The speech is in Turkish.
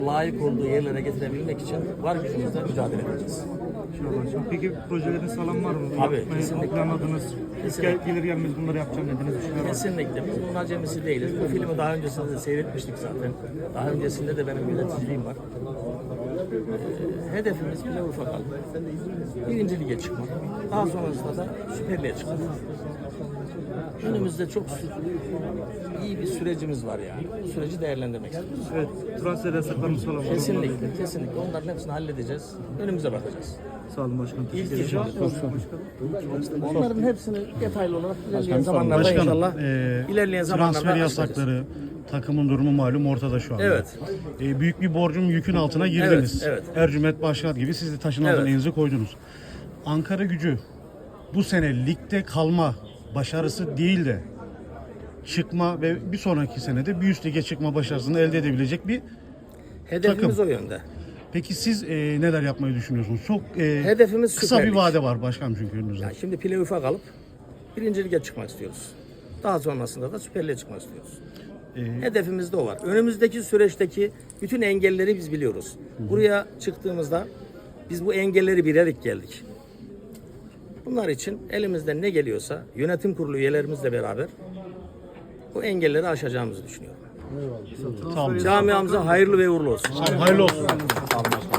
layık olduğu yerlere getirebilmek için var gücümüzle mücadele edeceğiz. Peki projelerin sağlam var mı? Tabii, Yapmayı kesinlikle. planladınız. Kesinlikle. Gelir gelmez bunları yapacağım dediniz. Düşünüyor musunuz? Kesinlikle. Biz bunun acemisi değiliz. Bu filmi daha öncesinde de seyretmiştik zaten. Daha öncesinde de benim yöneticiliğim var. Hedefimiz bile ufak aldı. Birinci lige çıkmak. Daha sonrasında da Süper Lig'e çıkmak. Önümüzde çok iyi bir sürecimiz var yani. Bu süreci değerlendirmek istiyoruz. Evet. Transfer yasaklarımız falan var. Kesinlikle, kesinlikle. Onların hepsini halledeceğiz. Önümüze bakacağız. Sağ olun başkanım. İlk iş onların hepsini detaylı olarak ilerleyen zamanlarda inşallah ilerleyen zamanlarda transfer açıklayacağız. yasakları, takımın durumu malum ortada şu anda. Evet. Büyük bir borcun yükün altına girdiniz. Evet, Ercüment Başkan gibi siz de taşın altına Evet. elinizi koydunuz. Ankara Gücü bu sene ligde kalma başarısı değil de çıkma ve bir sonraki senede bir üst lige çıkma başarısını elde edebilecek bir Hedefimiz takım. o yönde. Peki siz neler yapmayı düşünüyorsunuz? Çok Hedefimiz kısa Süper bir Lig. vade var başkanım çünkü önünüzde. Yani şimdi playoff'a kalıp birinci lige çıkmak istiyoruz. Daha sonrasında da Süper Lig'e çıkmak istiyoruz. Hedefimiz de o var. Önümüzdeki süreçteki bütün engelleri biz biliyoruz. Buraya çıktığımızda biz bu engelleri bilerek geldik. Bunlar için elimizden ne geliyorsa yönetim kurulu üyelerimizle beraber bu engelleri aşacağımızı düşünüyorum. Tamam. Camiamıza hayırlı ve uğurlu olsun. Hayırlı olsun. Sağ olun.